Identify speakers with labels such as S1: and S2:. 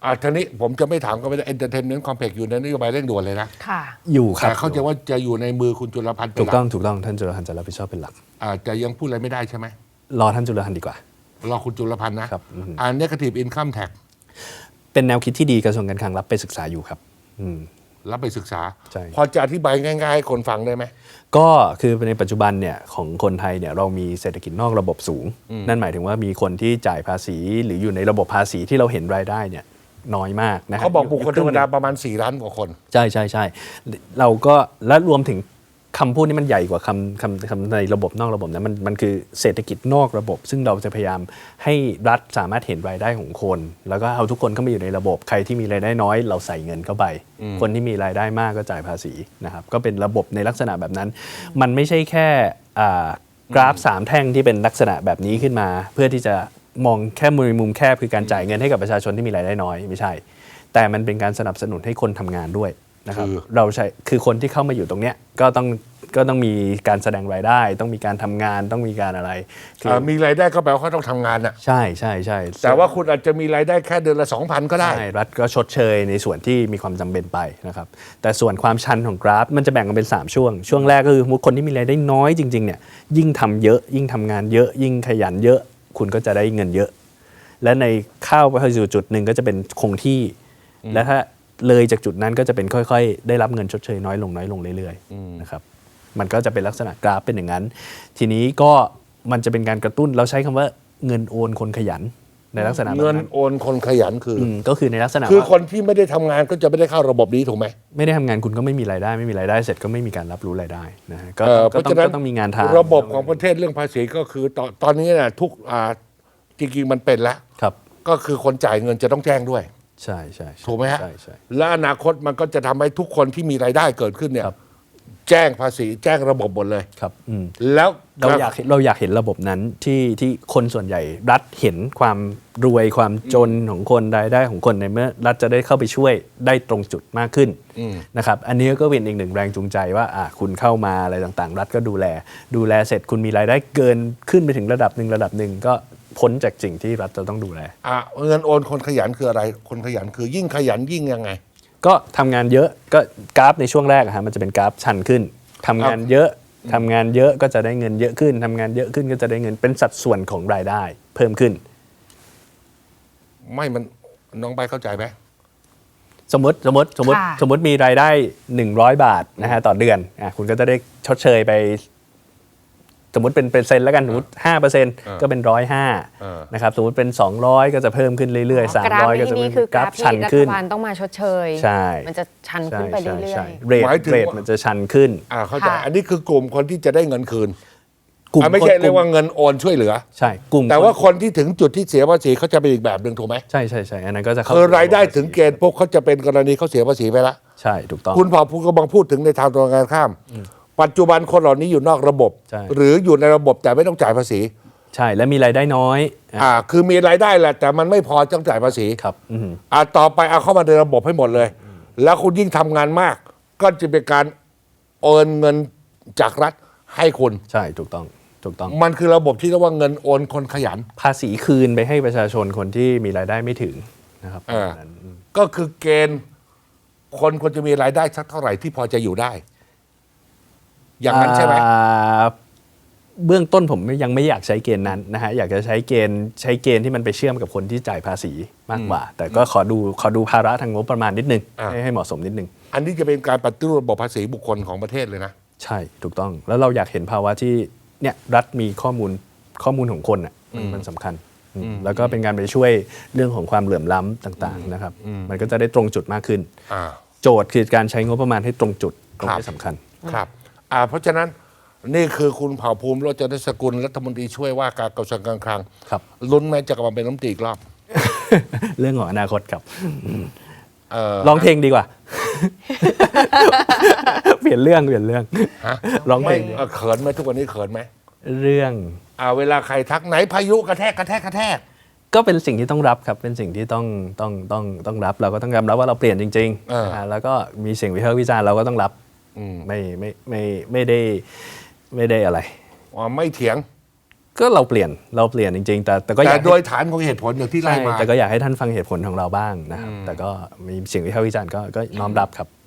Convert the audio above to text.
S1: ทีนี้ผมจะไม่ถามก็ไม่ได้ Entertainment Complex อยู่ในนโยบายเร่งด่วนเลยนะ
S2: ค่ะ
S3: อยู่ครับ
S1: แต่เข้าใจว่าจะอยู่ในมือคุณจุลพันธ์เป็น
S3: ถู
S1: ห
S3: ก
S1: ลั
S3: ต้องถูกต้องท่านจุลพันธ์จะรับผิดชอบเป็นหลัก
S1: จะยังพูดอะไรไม่ได้ใช่ไหม
S3: รอท่านจุลพันธ์ดีกว่าร
S1: อคุณจุลพันธ์นะครับNegative Income Tax
S3: เป็นแนวคิดที่ดีกระทรวงการคลังรับไปศึกษาอยู่ครับ
S1: รับไปศึกษา
S3: ใช่
S1: พอจะอธิบายง่ายๆให้คนฟังได้ไหม
S3: ก็คือในปัจจุบันเนี่ยของคนไทยเนี่ยเรามีเศรษฐกิจนอกระบบสูง นั่นหมายถึงว่ามีคนที่จ่ายภาษีหรืออยู่ในระบบภาษีที่เราเห็นรายได้เนี่ยน้อยมากนะ
S1: เขาบอกบุคคลธรรมดาประมาณ4 ล้านกว่าคน
S3: ใช่ใช่ใช่เราก็และรวมถึงคำพูดนี้มันใหญ่กว่าคำในระบบนอกระบบนะมันคือเศรษฐกิจนอกระบบ ซึ่งเราจะพยายามให้รัฐสามารถเห็นรายได้ของคน แล้วก็เอาทุกคนเข้ามาอยู่ในระบบใครที่มีรายได้น้อยเราใส่เงินเข้าไป คนที่มีรายได้มากก็จ่ายภาษีนะครับก็เป็นระบบในลักษณะแบบนั้น มันไม่ใช่แค่กราฟ3 แท่งที่เป็นลักษณะแบบนี้ขึ้นมา เพื่อที่จะมองแค่มุมแคบคือการจ่ายเงินให้กับประชาชนที่มีรายได้น้อยไม่ใช่ แต่มันเป็นการสนับสนุนให้คนทำงานด้วยนะครับเราใช้คือคนที่เข้ามาอยู่ตรงเนี้ยก็ต้องมีการแสดงรายได้ต้องมีการทำงานต้องมีการอะไร
S1: มีรายได้ก็แปลว่าเขาต้องทำงานน่ะ
S3: ใช่ใช่ใช่
S1: แต่ว่าคุณอาจจะมีรายได้แค่เดือนละ 2,000 ก็ได้
S3: ใช่รัฐก็ชดเชยในส่วนที่มีความจำเป็นไปนะครับแต่ส่วนความชันของกราฟมันจะแบ่งกันเป็น3 ช่วงแรกก็คือคนที่มีรายได้น้อยจริงๆเนี่ยยิ่งทำเยอะยิ่งทำงานเยอะยิ่งขยันเยอะคุณก็จะได้เงินเยอะและในเข้าไปสู่จุดหนึ่งก็จะเป็นคงที่และถ้าเลยจากจุดนั้นก็จะเป็นค่อยๆได้รับเงินชดเชยน้อยลงเรื่อยๆนะครับมันก็จะเป็นลักษณะกราฟเป็นอย่างนั้นทีนี้ก็มันจะเป็นการกระตุ้นเราใช้คำว่าเงินโอนคนขยันในลักษณะแบบนั้น
S1: เงินโอนคนขยัน
S3: ก็คือในลักษณะ
S1: คือคนที่ไม่ได้ทำงานก็จะไม่ได้เข้าระบบนี้ถูกไหม
S3: ไม่ได้ทำงานคุณก็ไม่มีรายได้เสร็จก็ไม่มีการรับรู้รายได้นะฮะก็ต้องมีงานทำ
S1: ระบบของประเทศเรื่องภาษีก็คือตอนนี้นะทุกจริงๆมันเป็นแล้วก็คือคนจ่ายเงินจะต้องแจ้งด้วย
S3: ใช่
S1: ถูกไหมฮะ
S3: ใช่
S1: และอนาคตมันก็จะทำให้ทุกคนที่มีรายได้เกิดขึ้นเนี่ยแจ้งภาษีแจ้งระบบหมดเลย
S3: ครับ
S1: แล้ว
S3: เราอยากเห็นระบบนั้นที่คนส่วนใหญ่รัฐเห็นความรวยความจนของคนรายได้ของคนในเมื่อรัฐจะได้เข้าไปช่วยได้ตรงจุดมากขึ้นนะครับอันนี้ก็เป็นอีกหนึ่งแรงจูงใจว่าคุณเข้ามาอะไรต่างๆรัฐก็ดูแลเสร็จคุณมีรายได้เกินขึ้นไปถึงระดับหนึ่งก็พ้นจากสิ่งที่รัฐจะต้องดูแล
S1: เงินโอนคนขยันคืออะไรคนขยันคือยิ่งขยันยิ่งยังไง
S3: ก็ทำงานเยอะก็กราฟในช่วงแรกมันจะเป็นกราฟชันขึ้นทำงานเยอะก็จะได้เงินเยอะขึ้นทำงานเยอะขึ้นก็จะได้เงินเป็นสัดส่วนของรายได้เพิ่มขึ้น
S1: ไม่มันน้องใบเข้าใจไหม
S3: สมมติมีรายได้100 บาทนะฮะต่อเดือนคุณก็จะได้ชดเชยไปสมมติเป็นเปอร์เซ็นต์แล้วกันสมมติ 5% ก็เป็น105นะครับสมมติเป็น200ก็จะเพิ่มขึ้นเรื่อยๆ300ก็จะเป็น
S2: กราฟชันขึ้นรัฐบาลต้องมาชดเชย
S3: ใช่
S2: มันจะชันขึ้นไปเรื่อย
S3: ๆเรทมันจะชันขึ้น
S1: เข้าใจอันนี้คือกลุ่มคนที่จะได้เงินคืนไม่ใช่เรียกว่าเงินโอนช่วยเหลือ
S3: ใช่กลุ่ม
S1: แต่ว่าคนที่ถึงจุดที่เสียภาษีเขาจะเป็นอีกแบบหนึ่งถูกไหม
S3: ใช่อันนั้นก็จะ
S1: คือรายได้ถึงเกณฑ์พวกเขาจะเป็นกรณีเขาเสียภาษีไปแล้ว
S3: ใช่ถูกต้อง
S1: คุณพอพูดกำลังพูดถึงในทางตรงกันข้ามปัจจุบันคนเหล่านี้อยู่นอกระบบหรืออยู่ในระบบแต่ไม่ต้องจ่ายภาษี
S3: ใช่และมีรายได้น้อย
S1: คือมีรายได้แหละแต่มันไม่พอต้องจ่ายภาษี
S3: ครับ
S1: ต่อไปเอาเข้ามาในระบบให้หมดเลยแล้วคุณยิ่งทำงานมากก็จะเป็นการโอนเงินจากรัฐให้คุณ
S3: ใช่ถูกต้อง
S1: มันคือระบบที่เรียกว่าเงินโอนคนขยัน
S3: ภาษีคืนไปให้ประชาชนคนที่มีรายได้ไม่ถึงนะครับ
S1: ก็คือเกณฑ์คนควรจะมีรายได้สักเท่าไหร่ที่พอจะอยู่ได้อย่างนั้นใช่ไหม
S3: เบื้องต้นผมยังไม่อยากใช้เกณฑ์นั้นนะฮะอยากจะใช้เกณฑ์ที่มันไปเชื่อมกับคนที่จ่ายภาษีมากกว่าแต่ก็ขอดูภาระทางงบประมาณนิดนึงให้เหมาะสมนิดนึง
S1: อันนี้จะเป็นการปฏิรูประบบภาษีบุคคลของประเทศเลยนะ
S3: ใช่ถูกต้องแล้วเราอยากเห็นภาวะที่เนี่ยรัฐมีข้อมูลของคนมันสำคัญแล้วก็เป็นการไปช่วยเรื่องของความเหลื่อมล้ำต่างๆนะครับมันก็จะได้ตรงจุดมากขึ้นโจทย์คือการใช้งบประมาณให้ตรงจุดตรงนี้สำคัญ
S1: ครับเพราะฉะนั้นนี่คือคุณเผ่าภูมิโรจนสกุลรัฐมนตรีช่วยว่าการกระทรวงการคลังลุ้นแม้จะกลับมาเป็นรัฐมนตรีอีกรอบ
S3: เรื่องของอนาคตครับร้องเพลงดีกว่าเปลี่ยนเรื่องร้องเพลง
S1: เขินไหมทุกวันนี้เขินไหม
S3: เรื่อง
S1: เวลาใครทักไหนพายุกระแทก
S3: ก็เป็นสิ่งที่ต้องรับครับเป็นสิ่งที่ต้องรับเราก็ต้องยอมรับว่าเราเปลี่ยนจริงๆแล้วก็มีเสียงวิพากษ์วิจารณ์เราก็ต้องรับไม่ได้อะไร
S1: ไม่เถียง
S3: ก็เราเปลี่ยนจริงๆ แต่ก็อ
S1: แต่
S3: ยาก
S1: โดยฐานของเหตุผลอย่างที่ไล่
S3: ใช่
S1: มา
S3: แต่ก็อยากให้ท่านฟังเหตุผลของเราบ้างนะครับแต่ก็มีเสียงวิพากษ์วิจารณ์ก็น้อมรับครับ